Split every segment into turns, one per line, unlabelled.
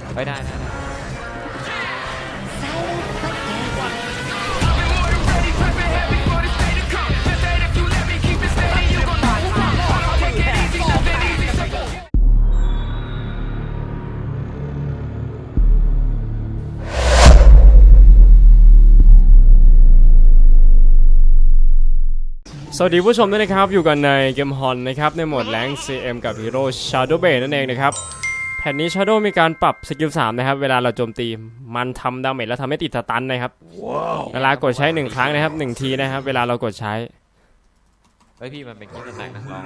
ได้
สวัสดีผู้ชมด้วยนะครับอยู่กันในเกมฮอนนะครับในโหมดแรงค์ CM กับฮีโร่ Shadow Blade นั่นเองนะครับแผ่นนี้ Shadow มีการปรับสกิล 3นะครับเวลาเราโจมตีมันทำดาเมจแล้วทำให้ติดสตันนะครับ เวลากดใช้1ครั้งนะครับ1ทีนะครับเวลาเรากดใช้
เฮ้ยพี่มันเป็นคลิปแตกนะลอง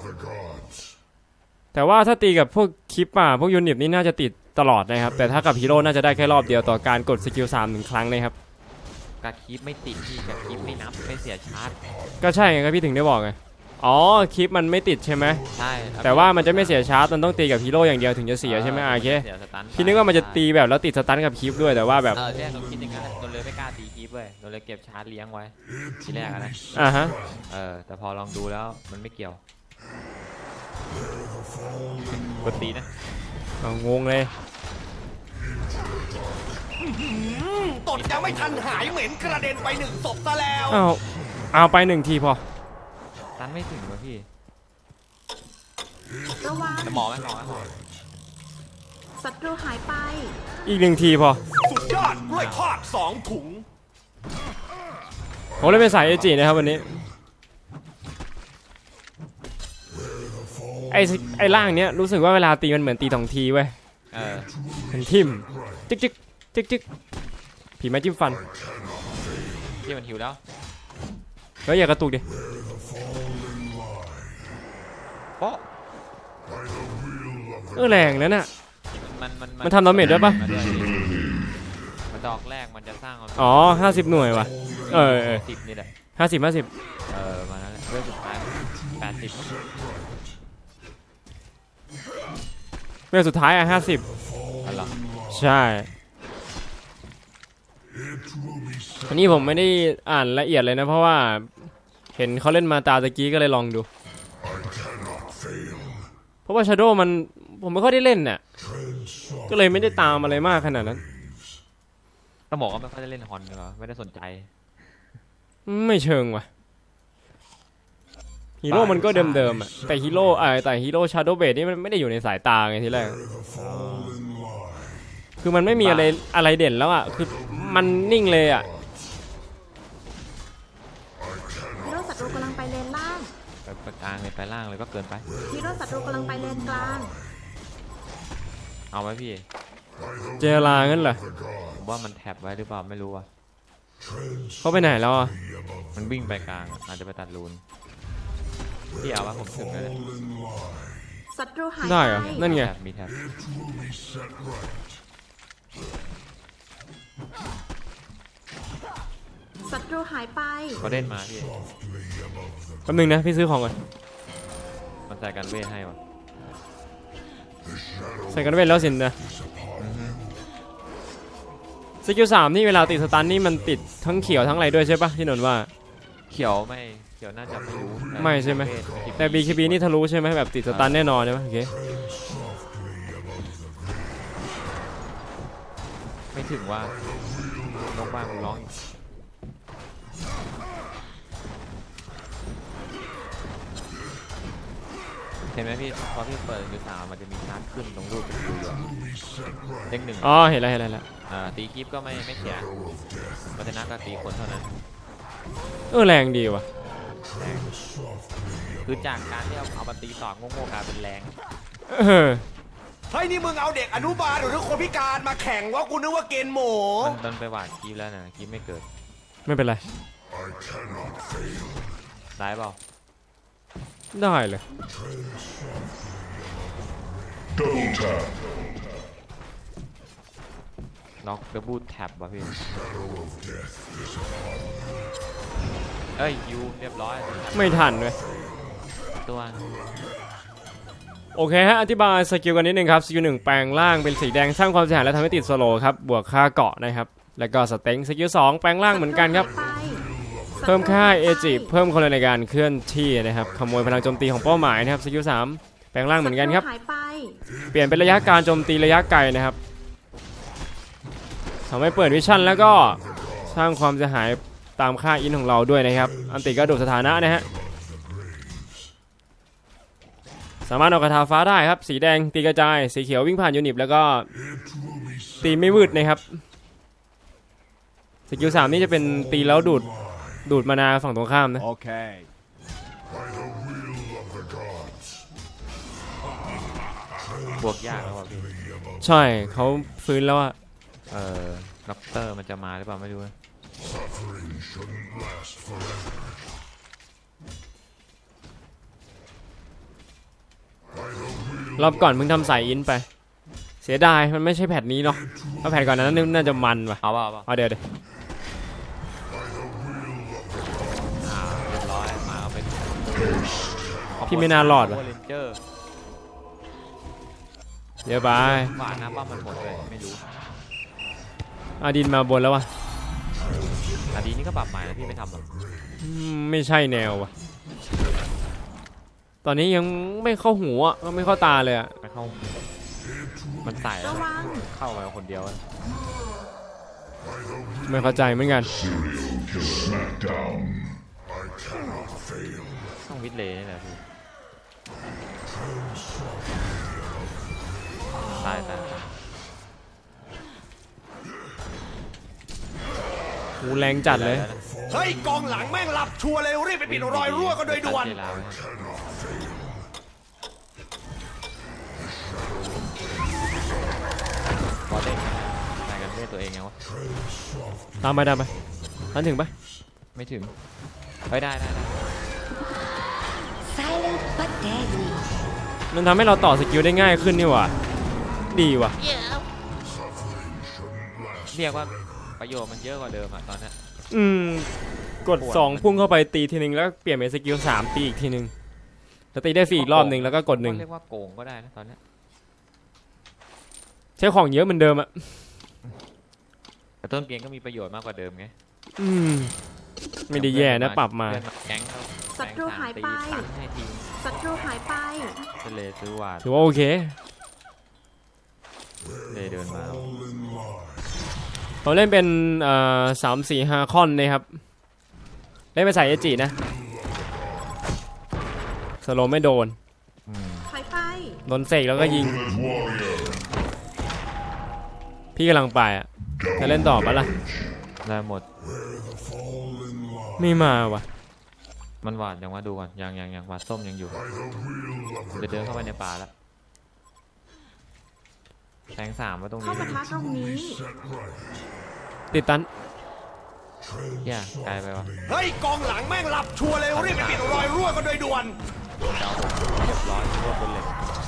แต่ว่าถ้าตีกับพวกคลิปพวกยูนิตนี่น่าจะติดตลอดนะครับแต่ถ้ากับฮีโร่น่าจะได้แค่รอบเดียวต่อการกดสกิล 3 1 ครั้งนะครับ
การคลิปไม่ติดพี่การคลิปไม่นับไม่เสียชาร์จ
ก็ใช่ไงครับพี่ถึงได้บอกไงอ๋อคลิปมันไม่ติดใช่ไหม
ใช่
แต่ว่ามันจะไม่เสียชาร์จมันต้องตีกับฮีโร่อย่างเดียวถึงจะเสียใช่ไหมโอเคพี่นึกว่ามันจะตีแบบแล้วติดสตันกับคลิปด้วยแต่ว่าแบบ
เนี่ยเราคิดอย่างนั้นเราเลยไม่กล้าตีคลิปเว้ยเราเลยเก็บชาร์จเลี้ยงไว้ทีแรกนะ
ฮะ
แต่พอลองดูแล้วมันไม่เกี่ยวกดตีนะ
งงเลย
ตดยังไม่ทันหายเหม็นกระเด็นไป1 ศพซะแล้ว
เอาไป1 ทีพอ
ตันไม่ถึงวะพี่
ระวัง
หมอไหม
ศัตรูหายไป
อีก1 ทีพอ
สุดยอดกล้วยทอด2 ถุง
ผมเลยเป็นสายเอจินะครับวันนี้ไอ้ล่างเนี้ยรู้สึกว่าเวลาตีมันเหมือนตี2 ทีเว้ยเป็นทิ่มจิ๊กผีไม้จิ้มฟัน
ที่มันหิวแล้ว
แล้วอย่ากระตุกดิแรงแล้วน่ะมันทำดาเมจด้วยปะ
มันดอกแรกมันจะสร้าง
50 หน่วยว่ะ
10นี่แหละ
50
มาแล้วเรื่องสุดท้าย80
เรื่องสุดท้าย50
อะไร
ใช่อันนี้ผมไม่ได้อ่านละเอียดเลยนะเพราะว่าเห็นเขาเล่นมาตาตะกี้ก็เลยลองดูเพราะว่า Shadow มันผมไม่ค่อยได้เล่นน่ะก็เลยไม่ได้ตามอะไรมากขนาดนั้น
ต้องบอกว่าไม่ค่อยได้เล่นฮอนเหรอไม่ได้สนใจ
ไม่เชิงว่ะฮีโร่มันก็เดิมๆอ่ะแต่ฮีโร่ Shadow Blade นี่มันไม่ได้อยู่ในสายตาไงทีแรกคือมันไม่มีอะไรเด่นแล้วอ่ะคือมันนิ่งเลยอ่ะ
ฮีโร่ศัตรูกำลังไปเลนล่าง
ไปกลางเลยไปล่างเลยก็เกินไป
ฮีโร่ศัตรูกำลังไปเลนกลาง
เอาไว้พี่
เจลางั้นเหรอ
ผมว่ามันแท็บไว้หรือเปล่าไม่รู้อ่ะ
เขาไปไหนแล้วอ่ะ
มันวิ่งไปกลางอาจจะไปตัดรูนพี่เอาว่าผมถึงแล้ว
ศัตรูหาย
ได้เหรอนั่นไง
มีแท็บ
ศัตรูหายไป
เขาเล่นมาพี่
แป๊บนึงนะพี่ซื้อของก่อน
มันใส่กันเวทให้วะ
ใส่กันเวทแล้วสินะสกิล 3นี่เวลาติดสตันนี่มันติดทั้งเขียวทั้งอะไรด้วยใช่ปะที่นนว่า
เขียวไม่เขียวน่าจะไม่รู้
ไม่ใช่ไหมแต่ BKB นี่ทะลุใช่ไหมแบบติดสตันแน่นอนใช่ไหมโอเค
ไม่ถึงว่าน้องบ้านร้องเห็นไหมพี่พอพี่เปิดมือ3มันจะมีชาร์จขึ้นตรงรูปเป็นดูเด้ง1
เห็นแล้ว
ตีคลิปก็ไม่เสียวัฒนะก็ตีคนเท่านั้น
แรงดีว่ะ
คือจากการที่เอามาตีต่อโง่ๆกลายเป็นแรง
เฮ้ยนี่มึงเอาเด็กอนุบาลหรือคนพิการมาแข่งว่ากูนึกว่าเกณฑ์หมู
มันไปหวานคลิปแล้วนะคลิปไม่เกิด
ไม่เป็นไร
ได้เปล่า
ได้เลย
น็อกดับเบิลแท็บว่ะพี่ยูเรียบร้อย
ไม่ทันเลย
ตัว
โอเคฮะอธิบายสกิลกันนิดนึงครับสกิล 1แปลงร่างเป็นสีแดงสร้างความเสียหายและทำให้ติดสโลว์ครับบวกค่าเกาะนะครับแล้วก็สเต็งสกิล 2แปลงร่างเหมือนกันครับเพิ่มค่าเอจิเพิ่มคนในการเคลื่อนที่นะครับขโมยพลังโจมตีของเป้าหมายนะครับสกิล 3แปลงร่างเหมือนกันครับเปลี่ยนเป็นระยะการโจมตีระยะไกลนะครับทำให้เปิดวิชั่นแล้วก็สร้างความเสียหายตามค่าอินของเราด้วยนะครับอันติก็ดูดสถานะนะฮะสามารถเอากระทาฟ้าได้ครับสีแดงตีกระจายสีเขียววิ่งผ่านยูนิตแล้วก็ตีไม่วืดนะครับสกิล3นี่จะเป็นตีแล้วดูดมานาฝั่งตรงข้ามนะ
Okay.
บวกยากแล้วว่ะพี่
ใช่เขาฟื้นแล้วอะ
ด็อกเตอร์มันจะมาหรือเปล่าไม่รู้นะ
รอบก่อนมึงทำสายอินไปเสียดายมันไม่ใช่แพทนี้เนาะถ้าแพทก่อนนั้นน่าจะมันว่ะ
เอาเปล่า
เอาเดี๋ยว
เรียบร้อยมาเอาไป
พี่ไม่น่ารอดว่ะ
เรนเจอร์
เดี๋ยวไป
ฝาน้ำป้ามันหมดเลยไม่รู้
อาดินมาบนแล้ววะ
แต่ดีนี่ก็ปรับใหม่แล้วพี่ไม่ทำหรอก
ไม่ใช่แนวว่ะตอนนี้ยังไม่เข้าหูอ่ะก็ไม่เข้าตาเลยอ่ะ
ไม่เข้ามันใส่แล้ว
ระวัง
เข้ามาคนเดียวอะ
ไม่เข้าใจเหมือนกัน
ต้องวิดเลย์นี่แหละพี่ตาย
หูแรงจัดเลย
เฮ้ยกองหลังแม่งหลับชัวร์เลยรีบไปปิดรอยรั่วกันโดยด่วน
เจลาไว้ให้บอลเด้งตายกันด้วยตัวเองไงวะ
ตามไปทันถึงปะ
ไม่ถึงเฮ้ยได้
Silent but deadly.
มันทำให้เราต่อสกิลได้ง่ายขึ้นนี่หว่าดีว่ะ
เรียกว่าประโยชน์มันเยอะกว่าเดิมอะตอนเนี้ย
กด2พุ่งเข้าไปตีทีนึงแล้วเปลี่ยนเป็นสกิล3ตีอีกทีนึงแล้วตีได้ฟรีอีกรอบนึงแล้วก็กด
เรียกว่าโกงก็ได้นะตอนเนี้ย
1ใช้ของเยอะเหมือนเดิมอ่ะ
แต่ต้นเกมก็มีประโยชน์มากกว่าเดิมไง
ไม่ได้แย่นะปรับมา
เพื่อนแก๊งเขา
ศัตรูหายไป
แก๊งสมตีตันให้ทีม
ศัตรูหายไป
เลยซื้อวาด
ถือว่าโอเค
เลยเดินมา
ผมเล่นเป็น3-4-5 คอนนะครับเล่นไปใส่เอจินะสโลว์ไม่โดน
หายไป
โดนเสกแล้วก็ยิง พี่กำลังไปอ่ะจะเล่นต่อปะล่ะ
ได้หมด
ไม่มาว่ะ
มันหวาดยังว่าดูก่อนยังหวาดส้มยังอยู่จะเดินเข้าไปในป่าแล้วแทง3ไว้ตรง
เข้า
นี้
ปะทะตรงนี้
ติดตัน
แย่ไกลไปวะ
เฮ้ยกองหลังแม่งหลับชัวร์เลยรีบไปปิดรอยรั่วกันโดยด่วน
เดาผมเรียบร้อยรวบบนเหล็ก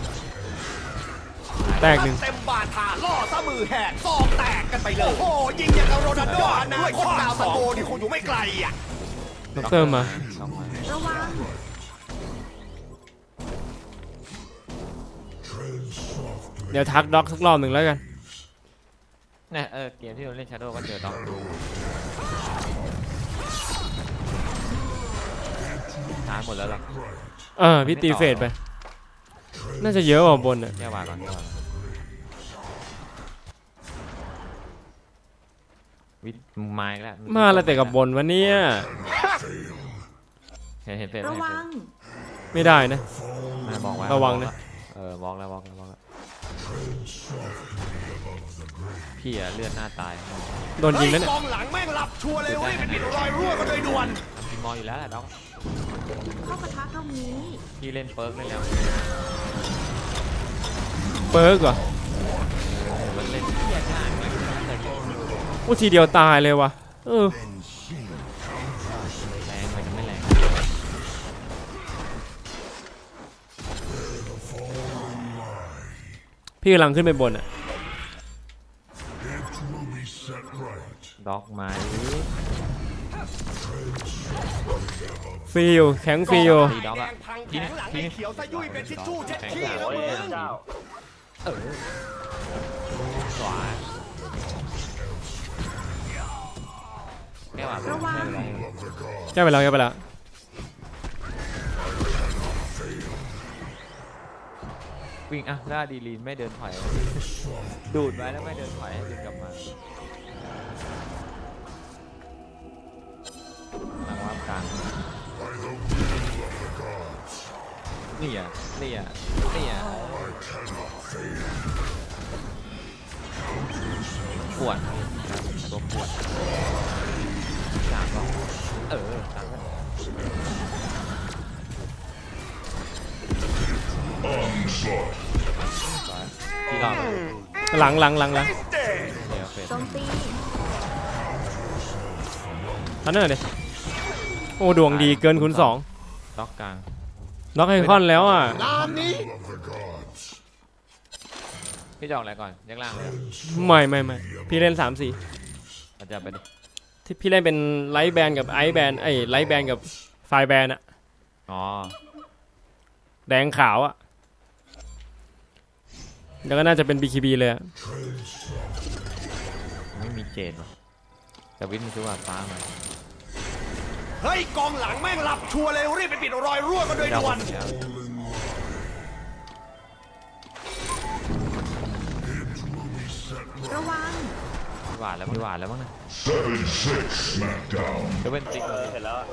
แตกหนึ่ง
เต็มบาทาล่อซะมือแหกซอกแตกกันไปเลย โอ้โหยิงอย่างกับโรนัลโดอนาคตดาวซันโบนี่คงอยู่ไม่ไกลอ่ะ
ด็อกเตอร์มา
น็อกมา
ระวัง
เดี๋ยวทักด็อกสักรอบหนึ่งแล้วกัน
เนี่ยเกมที่เราเล่น Shadow ก็เจอด็อกดูตายหมดแล้วหรอ
พี่ตีเฟดไป น่าจะเยอะกว่าบนอ่ะ
แก้วาก่อนวิทย์ไม้แล้ว
มาแล้วแต่กับบนวันนี้
เห็นเฟซ
ระวัง
ไม่ได้นะ
บอกไว้
ระวังนะ
บอกแล้วพี่อะเลือดหน้าตาย
โดนยิงแล้วเนี่ย
กองหลังแม่งหลับชัวร์เลยรีบไปปิดรอยรั่วกันโดยด่วน
พี่มออยู่แล้วแหละด็อก
เข้าปะทะตรงนี้
พี่เล่นเปิร์กเล่นแล้ว
เปิร์กเหรอ
มันเล่นเที่ยง่ายเลยแต่เยอะ
อู้ทีเดียวตายเลยวะ
แรงไปจะไม่แรง
พี่กำลังขึ้นไปบนอ่ะ
ด็อกไม้
ฟิลแข็งฟิล
ตีด็อก
แด
อะ
งพังแข็งหลังไอ้เขียวซะยุ่ยเป็นทิชชู่เช็ดขี้แล้วมึง
สวายแก้วอะ
ระวัง
แก้ไปแล้ว
วิ่งอ่ะล่าดีลีนไม่เดินถอยดูดไว้แล้วไม่เดินถอยให้ดึงกลับมากลางนี่อ่ะนี่อ่ะนี่อ่ะปวดตัวปวดกลางก็กลางก็ที่รอบ
หลัง
เดี๋ยวเฟส
โจมตี
ทันเนอร์ดิโอ้ดวงดีเกินคูณ2
ล็อกกลาง
น็อกไอคอนแล้วอ่ะ
พี่จะออกอะไรก่อนยักล่างเลย
ไม่พี่เล่น3-4
อาจจะไปดิ
ที่พี่เล่นเป็นไลท์แบนกับไอซ์แบนไลท์แบนกับไฟแบนอะ
อ๋อ
แดงขาวอะแล้วก็น่าจะเป็น BKB เลยอะ
ไม่มีเจนว่ะแต่วิทย์มันซื้อว่าฟ้ามา
เฮ้ยกองหลังแม่งหลับชัวร์เลยรีบไปปิดรอยรั่วกันโดยด่วน
แล้ว
ระวัง
พี่หวานแล้วมั้งนะจะเป็นติ๊กเลยเสร็จแล้ว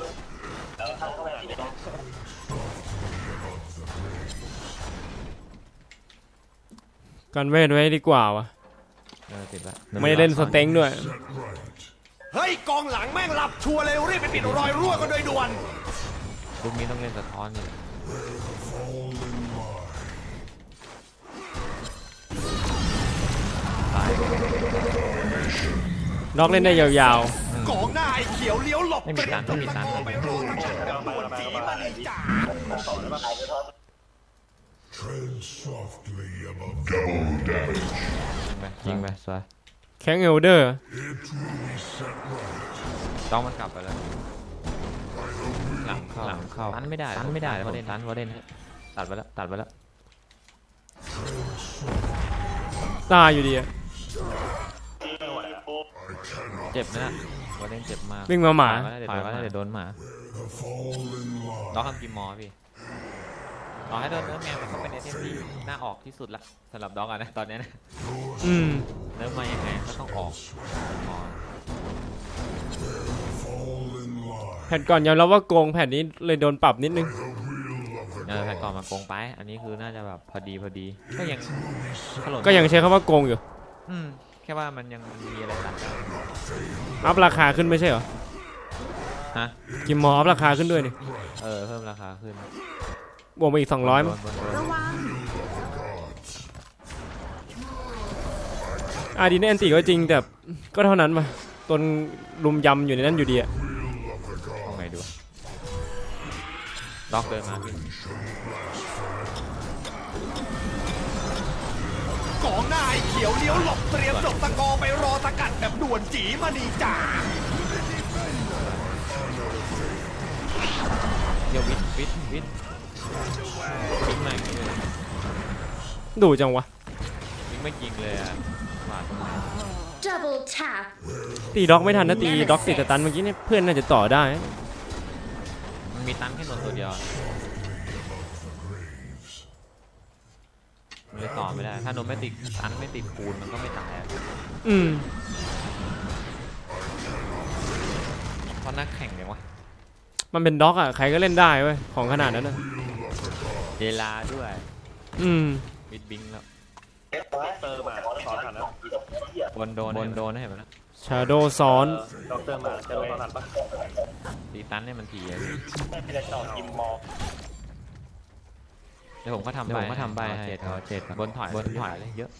กันเวทไว้ดีกว่าวะ
ติดละ
ไม่ได้เล่นสเต็งด้วย
เฮ้ยกองหลังแม่งหลับชัวร์เลยรีบไปปิดรอยรั่วกันโดยด่วน
ลูกนี้ต้องเล่นสะท้อนนี่ตาย
น็อกเล่นได้ยาว
กองหน้าไอ้เขียวเลี้ยวหลบ
ไม่มีตัน
ไปรอทางการด่วนจีมาเลยจ้า
ยิงไปสวย
ๆแข้งเอลเดอร์
ต้องมันกลับไปแล้วหลังเข้าตันไม่ได้วอเดนตัดไปแล้ว
ตายอยู่ดีอะ
เจ็บนะวอเดนเจ็บมาก
วิ่งมาหมา
ถอยก็ได้เดี๋ยวโดนหมาล็อกทำกิมมอพี่ต่อให้โดนเนื้อแมวมันก็เป็นไอเทมที่น่าออกที่สุดละสำหรับด็อกอะนะตอนนี้นะ
อืม
เนื้อมายังไงก็ต้องออกอ๋อ
แผ่นก่อนยอมรับว่าโกงแผ่นนี้เลยโดนปรับนิดนึง
แผ่นก่อนมาโกงไปอันนี้คือน่าจะแบบพอดีก็ยังถล่ม
ก็ยังใช้คำว่าโกงอยู่
แค่ว่ามันยังมีอะไรตัดได้
อัพราคาขึ้นไม่ใช่เหรอ
ฮะ
กิมมออัพราคาขึ้นด้วยนี่
เพิ่มราคาขึ้น
บวกมาอีก200มั้ง
ระวัง
อาดีนแอนติก็จริงแต่ก็เท่านั้นมาตนลุมยำอยู่ในนั้นอยู่ดีอะ
เอาไงดูล็อกเดินมาพี่
กองหน้าไอ้เขียวเลี้ยวหลบเตรียมจบตะกอไปรอสกัดแบบด่วนจีมาดีจ้า
เดี๋ยววิทมาอย่างนี้เลย
ดูจังวะ
วิทไม่ยิงเลยอ่ะหวาด
Double tap.
ตีด็อกไม่ทันนะตีด็อกติดแต่ตันเมื่อกี้เนี่ยเพื่อนน่าจะต่อได้
มันมีตันแค่นนตัวเดียวมันเลยต่อไม่ได้ถ้านนไม่ติดตันไม่ติดปูนมันก็ไม่ตายอ่ะ
อืม
เพราะนักแข่งเนี่ยวะ
มันเป็นด็อกอะใครก็เล่นได้เว้ยของขนาดนั้นนะ
เวลาด้วย
อืม
วิทบิงแล้วบนโดนให้เห็นไหมนะ
ชาโดซ้อน
ตีตันให้มันทีอะเดี๋ยวผมก็ทำใบให้เจ็ดบนถอยเลยเยอะ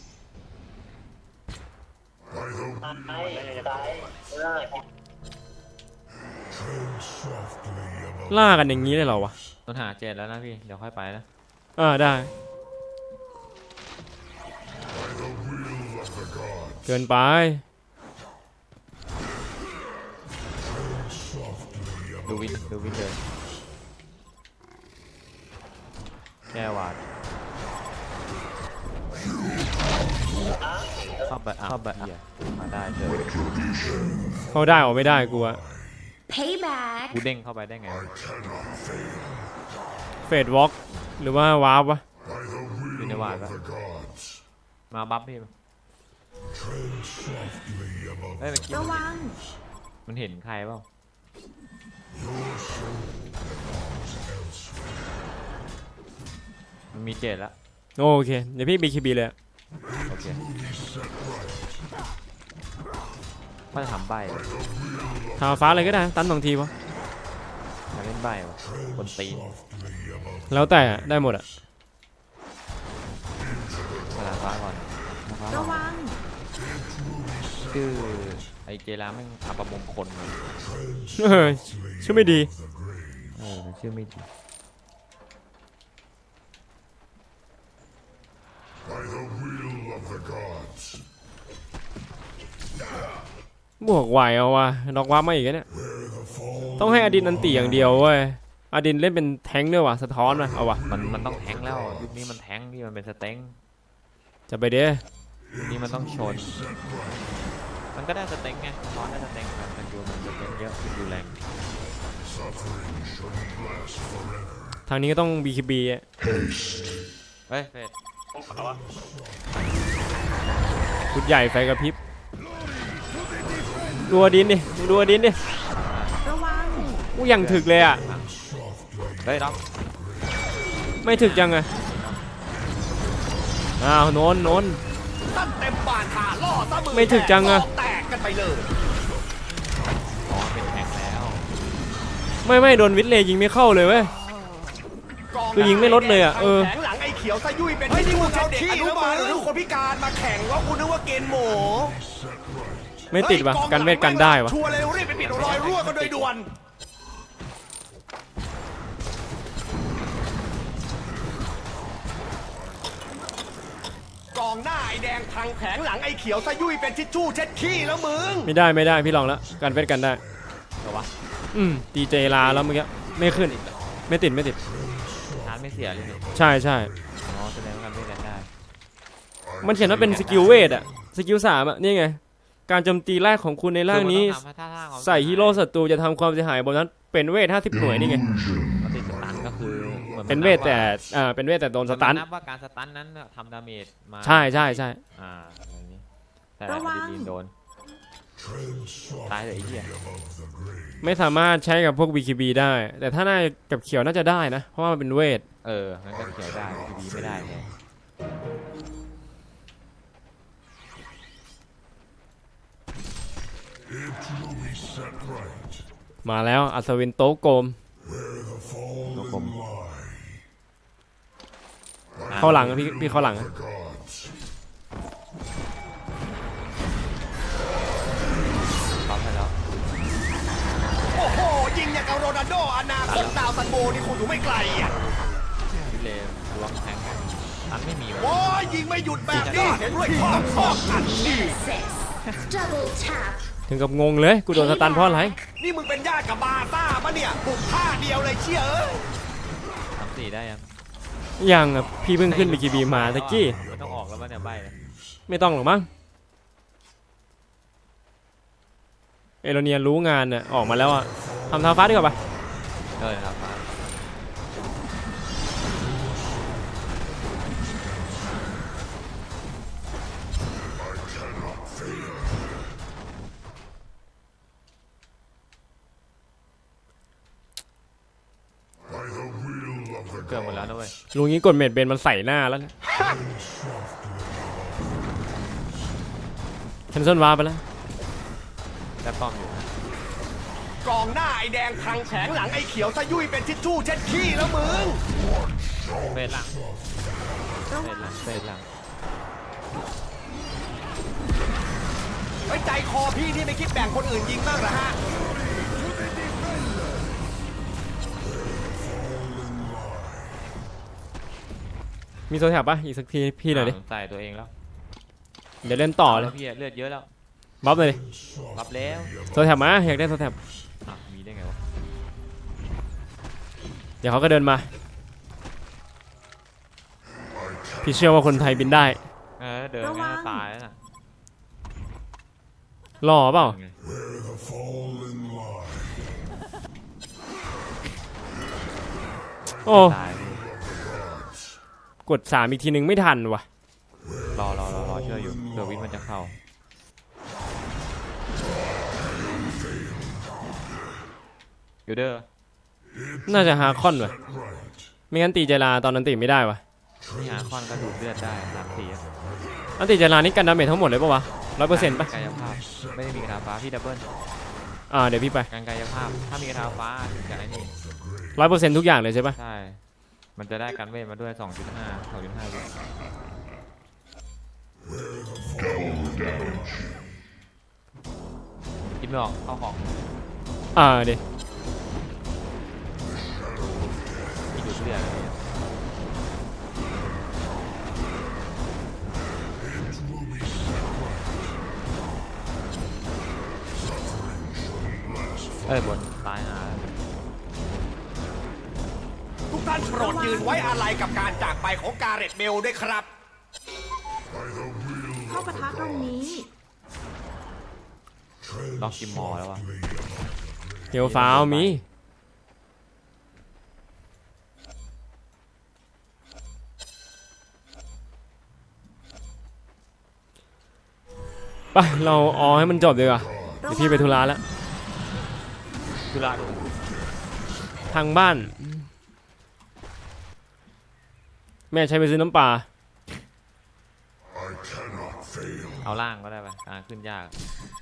ล่ากันอย่างนี้เลยเหรอวะ
ต้นหาเจ็ดแล้วนะพี่เดี๋ยวค่อยไปนะ
ได้เกินไป
ดูวินเลยแก้วาดเข้าไปมาได้เถอะ
เขาได้ออกไม่ได้กูอะ
Payback.
กูเด้งเข้าไปได้ไง
เฟดวอล์กหรือว่าวาร์ปวะ
อยู่ในวาดปะมาบัฟพี่เฮ้ยเมื่อกี้
ระวัง
มันเห็นใครเปล่ามันมีเจดแล้ว
โอเคเดี๋ยวพี่ BKB เลยอะ
โอเคก็จะทำใบเลย
ทาฟ้าเลยก็ได้ตัน2 ทีวะ
อยากเล่นใบวะคนตีน
แล้วแต่อะได้หมดอะ
พลังฟ้าก่อนฟ้าก่
ระ
อน
วัง
คือไอเจราแม่งอัปมงคลเลย
ชื่อไม่ดี
มันชื่อไม่ดี
บวกไหวเอาวะน็อกว้ามาอีกแล้วเนี่ยต้องให้อดินอันตีอย่างเดียวเว้ยอดินเล่นเป็นแทงค์ด้วยวะสะท้อนมาเอาวะ
มันต้องแทงแล้วยุคนี้มันแทงที่มันเป็นสเต็ง
จะไปเด้อ
ยุคนี้มันต้องชน มันก็ได้สเต็งไงนอนได้สเต็งมันดูมันสเต็งเยอะดูแรง
ทางนี้ก็ต้อง BKB อะ
เฮ้ยเฟด
ชุดใหญ่ไฟกระพริบดูอดินดิดูอดินดิ
ระวัง
กูยังถึกเลยอะ
เฮ้ยรับ
ไม่ถึกยังอะอ้าวโนน
ตั้นเต็มบานขาล่อซะมือ
ไม่ถึกจังอะ
แตกแตกกันไปเลย
อ๋อเป็นแทงแล้ว
ไม่โดนวิทเลย์ยิงไม่เข้าเลยเว้ย คือยิงไม่ลดเลยอะเออ
แข็งหลังไอ้เขียวซะยุ่ยเป็นที่นี่มึงเอาเด็กอนุบาลหรือคนพิการมาแข่งว่ากูนึกว่าเกณฑ์หมู
ไม่ติดวะกันเวทกันได้วะ
ชัวร์เลยรีบไปปิดรอยรั่วกันโดยด่วนกองหน้าไอ้แดงพังแผงหลังไอ้เขียวซะยุ่ยเป็นทิชชู่เช็ดขี้แล้วมึง
ไม่ได้พี่ลองแล้วกันเวทกันได้
เหรอวะ
ตีเจลาแล้วเมื่อกี้ไม่ขึ้นไม่ติด
ชาร์จไม่เสียเลยนี่
ใช่
อ๋อแสดงว่ากันไม่กันได้
มันเขียนว่าเป็นสกิลเวทอะสกิล3อะนี่ไงการโจมตีแรกของคุณในร่างนี้
คือมัต้องทำท่าทางของ
ใส่ฮีโร่ศัตรูจะทำความเสียหายบนนั้นเป็นเวท50 หน่วยนี่ไง
มันติดสตันก็คือหมือน
เป็นเวทแต่เป็นเวทแต่โดนสตัน
มันับว่าการสตันนั้นทำดาเมจมา
ใช่
อะไรนี้แต่ดีนโดนตายเลยไอ้เหี้ย
ไม่สามารถใช้กับพวก BKB ได้ แต่ถ้าน่ากับเขียวน่าจะได้นะ เพราะว่ามันเป็นเวท
งั้นก็เขียวได้ดีไม่ได้เลย
มาแล้วอัศวินโตะโกม
ตัวกลม
เข้าหลังพี่เข้าหลัง
ปั๊มไปแล้ว
โอ้โหยิงอย่างกับโรนัลโดอนาคตดาวซันโบนี่คุณอยู่ไม่ไกลอ่ะ
วิเลมล้วงแทงกันตันไม่มีวะ
โอ้ยยิงไม่หยุดแบบนี้เห็นด้วยข้ออันนี่
Double tap.
ถึงกับงงเลยกูโดนสตันเพราะอะไร
นี่มึงเป็นญาติกับบาซ่าปะเนี่ยบุกท่าเดียวเลยเชี่ยเอ้ย
3-4ได้ยัง
ยังอ่ะพี่เพิ่งขึ้น BKB มาตะกี้
ไม่ต้องออกแล้วมั้งเนี่ยใบเลย
ไม่ต้องหรอกมั้งเอโรเนียรู้งานน่ะออกมาแล้วอ่ะทำทางฟ้าดีกว่าปะ
ครับ เกือบหมดแล้วนะเว้ย
ลุงนี้กดเมดเบนมันใส่หน้าแล้วเนี่ยแคนเซิลวาร์ปไปแล้ว
แต่ป้อมอยู่
กองหน้าไอ้แดงพังแผงหลังไอ้เขียวซะยุ่ยเป็นทิชชู่เช็ดขี้แล้วมึง
เฟดหลังเฟดหลัง
ไว้ใจคอพี่นี่ไม่คิดแบ่งคนอื่นยิงบ้างเหรอฮะ
มีโซแถบปะอีกสักทีพี่หน่อยดิ
ใส่ตัวเองแล้ว
เดี๋ยวเล่นต่อเลย
พี่เลือดเยอะแล้ว
บัฟเลยดิ
รับแล้ว
โซแถบมาอยากได้โซแถบ
มีได้ไงวะ
เดี๋ยวเขาก็เดินมาพี่เชื่อว่าคนไทยบินได้
เดินงั้นตายแล้วน่ะ
รอเปล่าโอ้
ตายพี่
กด3อีกทีนึงไม่ทันว่ะ
รอเชื่ออยู่เดี๋ยววิทย์มันจะเข้ากิลเดอร์
น่าจะฮาคอนว่ะไม่งั้นตีเจลาตอนนั้นตีไม่ได้วะ
นี่หาคอนก็ดูดเลือดได้3-4
อันตีเจลานี่กันดาเมจทั้งหมดเลยปะวะ100%ปะ
กายภาพไม่ได้มีกระทาฟ้าพี่ดับเบิล
เดี๋ยวพี่ไป
การกายภาพถ้ามีกระทาฟ้าถึงจะไอ้นี่
100%ทุกอย่างเลยใช่ปะ
ใช่มันจะได้การเวทมาด้วย 2.5 วิคิดไม่ออกเข้าของ
เดี๋ยว
ที่ดูดเลือดบนตายหา
ทุกท่านโปรดยืนไว้อาลัยกับการจากไปของกาเร็ตเบลด้วยครับ
เข้ากระทะตรงนี้
ล็อกกิมมอร์แล้ววะ
เฮียวฟ้าวมีไปเราให้มันจบดีกว่าเดี๋ยวพี่ไปธุระแล้ว
คือละดู
ทางบ้าน แม่ใช้ไปซื้อน้ำปลา
เอาล่างก็ได้ไปขึ้นยาก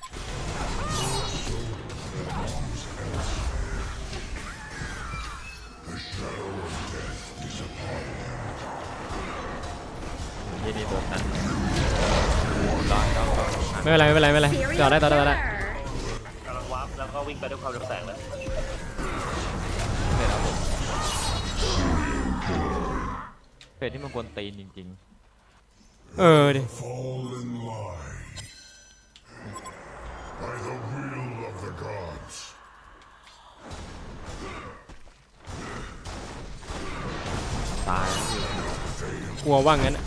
ยี่นี่โดนนั้นร้อน
ไม่เป็นไรต่อได้
กำลังวาร์ปแล้วก็วิ่งไปด้วยความเร็วแสงเลย
เสร็จแล้วผมเฟสที่มันกวนตีนจริง
ดิ
Fall in line by the will of the gods.
ๆตาย
กลัวว่างั้นอะ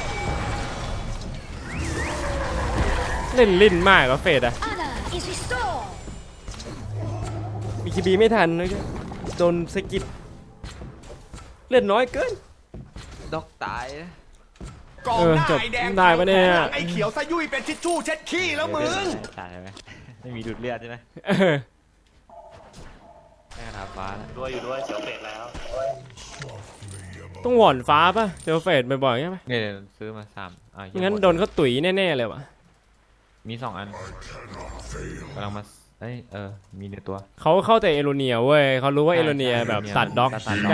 เล่นลิ้นมากเหรอเฟดอะ
Honor is restored.
มีคีบีไม่ทันเลยโดนสกิดเล่นน้อยเกิน
ด็อกตาย
กองหน้า
จบ
ไอ้แดง
ได้ปะเนี่ย
หลังไอ้เขียวซะยุ่ยเป็นทิชชู่เช็ดขี้แล้วมึง
ตายไหมไม่มีดูดเลือดใช่ไหม แค่กระทาฟ้าแล้ว
อยู่ด้วยเสียวเป็ดแล้ว
ต้องหว่อนฟ้าป่ะเจอเฟดบ่อยๆใช่ไหม
เนี่ยซื้อมา3
งั้นโดนเขาตุ๋ยแน่ๆเลยวะ
มี2 อันกำลังมามีในตัว
เขาเข้าแต่เอโรเนียเว้ยเขารู้ว่า
ใช่
เอโรเนีย
ใช่
แบบ
เอโรเนีย
ตัดด็อก
ตัดด็อก
ได้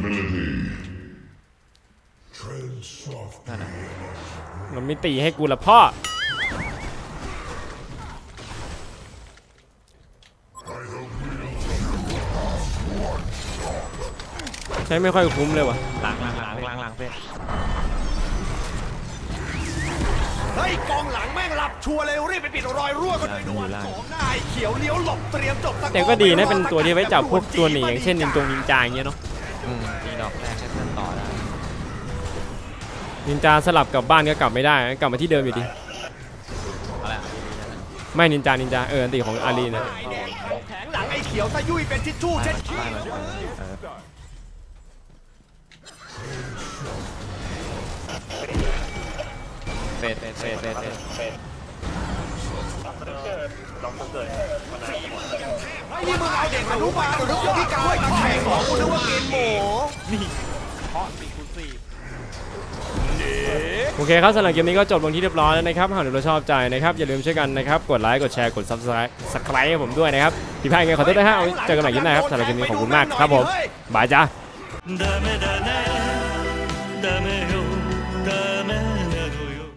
Tread soft.
นั่นน่ะ
มันไม่ตีให้กูละพ่อใช้ไม่ค่อยคุ้มเลยวะ
หลังเฟ้ย
เฮ้ยกองหลังแม่งหลับชัวร์เลยรีบไปปิดรอยรั่วกันโดยด่วนกองหน้าไอ้เขียวเลี้ยวหลบเตรียมจบสกอร์
แต่ก็ดีนะเป็นตัวที่ไว้จับพวกตัวหนีอย่างเช่นนินจาอย่างเงี้ยเนาะ
ตีดอกแรกให้เพื่อนต่อได้
นินจาสลับกลับบ้านก็กลับไม่ได้กลับมาที่เดิมอยู่ดี
อะไรอ่ะ
ไม่นินจาอันติของอารีนะ
ไอ้แดงแผงหลังไอ้เขียวซะยุ่ยเป็นทิชชู่เช็ดขี้
บ้านมันเฟด
เป็ดลองเกิดมันอะไร
ไอ้นี่มึงเอาเด็กอนุบาลหรือคนพิการมาแข่งของกูนึกว่ากินหมู
เพราะ4-4
โอเคครับสำหรับเกมนี้ก็จบลงที่เรียบร้อยแล้วนะครับหากเราชอบใจนะครับอย่าลืมช่วยกันนะครับกดไลค์กดแชร์กด Subscribe ให้ผมด้วยนะครับผิดพลาดยังไงขอโทษด้วยฮะเอาไว้เจอกันใหม่คลิปหน้าครับสำหรับเกมนี้ขอบคุณมากครับผมบายจ้า
ダメだねダメよ